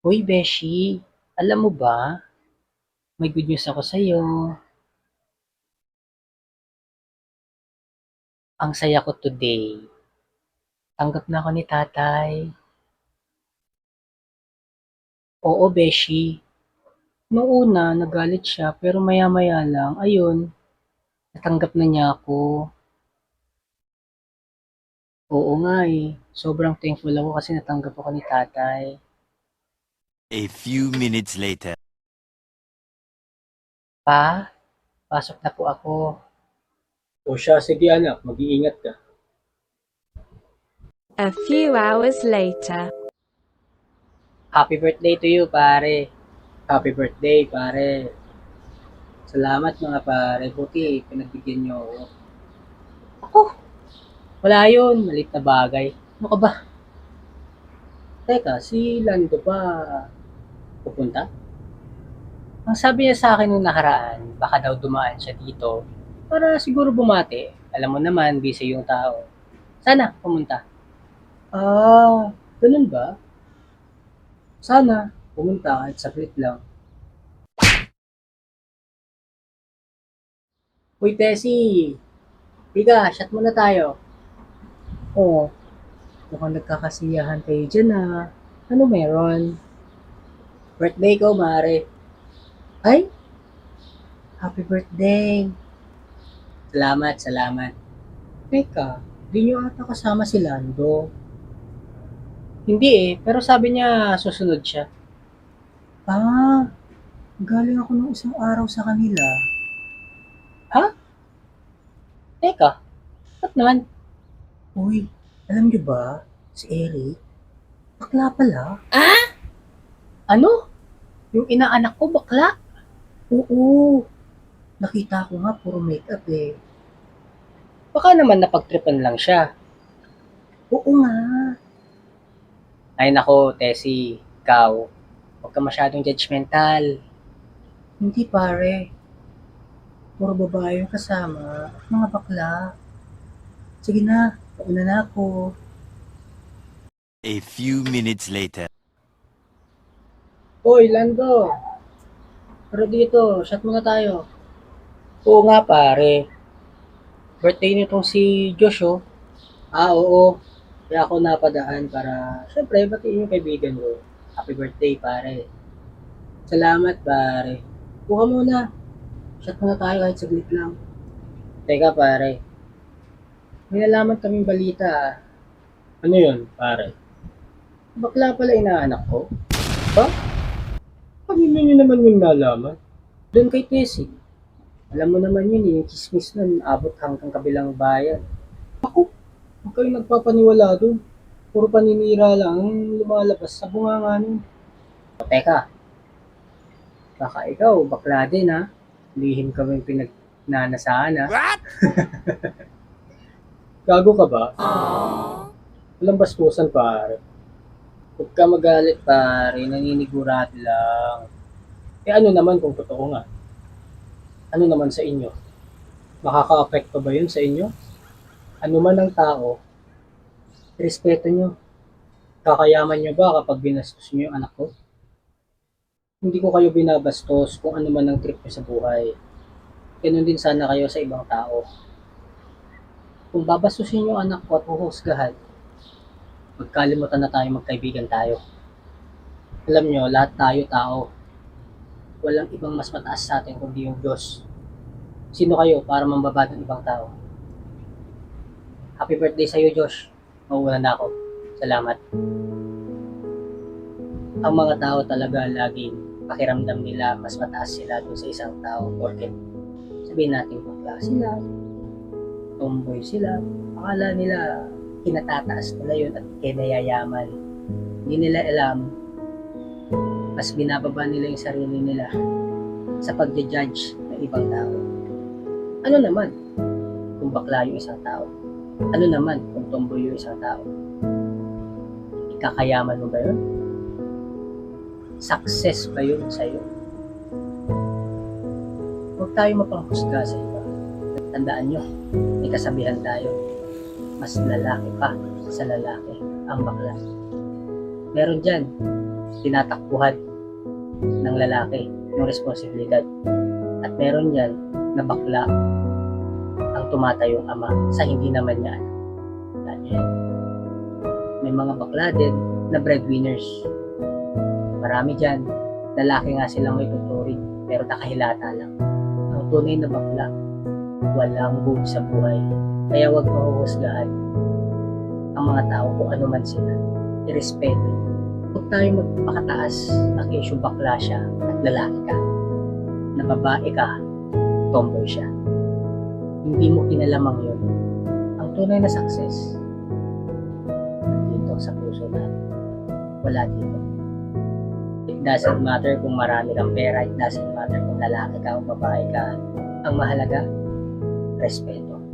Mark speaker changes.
Speaker 1: Uy, Beshi, alam mo ba, may good news ako sa'yo. Ang saya ko today. Tanggap na ako ni tatay. Oo, Beshi. Noong una, nagalit siya, pero maya-maya lang, ayun, natanggap na niya ako. Oo nga eh. Sobrang thankful ako kasi natanggap ako ni tatay.
Speaker 2: A few minutes later.
Speaker 1: Pa, pasok na po ako.
Speaker 3: O siya, sige anak, mag-iingat ka.
Speaker 4: A few hours later.
Speaker 1: Happy birthday to you, pare.
Speaker 3: Happy birthday, pare.
Speaker 1: Salamat mga pare. Buti, pinagbigyan niyo ako. Ako, wala yun. Malit na bagay. Ano ka ba? Teka, si Lando pa pupunta? Ang sabi niya sa akin nung nakaraan, baka daw dumaan siya dito para siguro bumati. Alam mo naman, busy yung tao. Sana pumunta. Ah, ganun ba? Sana pumunta kahit saglit lang. Uy, Tessie! Tiga, shot muna tayo. Oo, mukhang nagkakasiyahan kayo dyan ah. Ano meron? Birthday ko, mare. Ay, happy birthday. Salamat, salamat. Teka, di nyo ata kasama si Lando. Hindi eh, pero sabi niya susunod siya. Ah, galing ako ng isang araw sa kanila. Ha? Teka, ba't naman? Uy, alam niyo ba, si Eric, bakla pala. Ano? Yung inaanak ko bakla? Oo, nakita ko nga puro makeup eh. Baka naman napagtripan lang siya. Oo nga. Ay nako, Tessie, ikaw, huwag ka masyadong judgmental. Hindi pare, puro babae yung kasama, mga bakla. Sige na, pauna na ako.
Speaker 2: A few minutes later.
Speaker 1: Hoy, Lando, pero dito, shot muna tayo. Oo nga pare, birthday nitong si Josh oh. Ah, oo. Kaya ako napadaan para, syempre, batiin yung kaibigan ko. Happy birthday, pare. Salamat, pare. Kuha muna. Shot muna tayo kahit saglit lang. Teka, pare. May nalaman kaming balita ah.
Speaker 3: Ano yun, pare?
Speaker 1: Bakla pala inaanak ko.
Speaker 3: Ha? Kanino nyo naman yung nalaman?
Speaker 1: Doon kay Tessie. Alam mo naman yun eh, yung chismis nun, abot hanggang kabilang bayan.
Speaker 3: Huwag kayong nagpapaniwala doon. Puro paninira lang ang lumalabas sa bunganga nun.
Speaker 1: O teka, baka ikaw, bakla din ha. Lihim kami pinagnanasaan ha.
Speaker 2: What?
Speaker 3: Gago ka ba? Walang bastusan, pare.
Speaker 1: Huwag ka magalit pare, naninigurado lang.
Speaker 3: Eh ano naman kung totoo nga? Ano naman sa inyo? Makaka-apekto ba yun sa inyo? Ano man ang tao, respeto nyo. Kakayaman nyo ba kapag binastos nyo yung anak ko? Hindi ko kayo binabastos kung ano man ang trip nyo sa buhay. Ganun din sana kayo sa ibang tao. Kung babastusin yung anak ko at huhusgahan, magkalimutan na tayo magkaibigan tayo. Alam nyo, lahat tayo tao. Walang ibang mas mataas sa atin kundi yung Diyos. Sino kayo para mambaba ng ibang tao? Happy birthday sa'yo, Josh. Mauuna na ako. Salamat. Ang mga tao talaga laging pakiramdam nila mas mataas sila dun sa isang tao porket sabihin natin bakla sila, tomboy sila, akala nila kinatataas nila yun at kinayayaman. Hindi nila alam, mas binababa nila yung sarili nila sa pagja-judge ng ibang tao. Ano naman kung bakla yung isang tao? Ano naman kung tomboy yung isang tao? Ikakayaman mo ba yun? Success ba yun sa'yo? Huwag tayo mapanghusga sa iba. Tandaan nyo, may kasabihan tayo, mas lalaki pa sa lalaki ang bakla. Meron dyan,
Speaker 1: tinatakbuhan ng lalaki yung responsibilidad. At meron yan na bakla ang tumatayong ama sa hindi naman niya alam. Yan. May mga bakla din na breadwinners. Marami dyan, lalaki nga silang may tuturing, pero nakahilata lang. Ang tunay na bakla, walang buo sa buhay. Kaya huwag mahuhusgahan ang mga tao kung ano man sila. Irespeto. Huwag tayo magpakataas na issue bakla siya at lalaki ka. Na babae ka, tomboy siya. Hindi mo kinalamang yun. Ang tunay na success, nandito sa puso natin. Wala dito. It doesn't matter kung marami kang pera, it doesn't matter kung lalaki ka o babae ka. Ang mahalaga, respeto.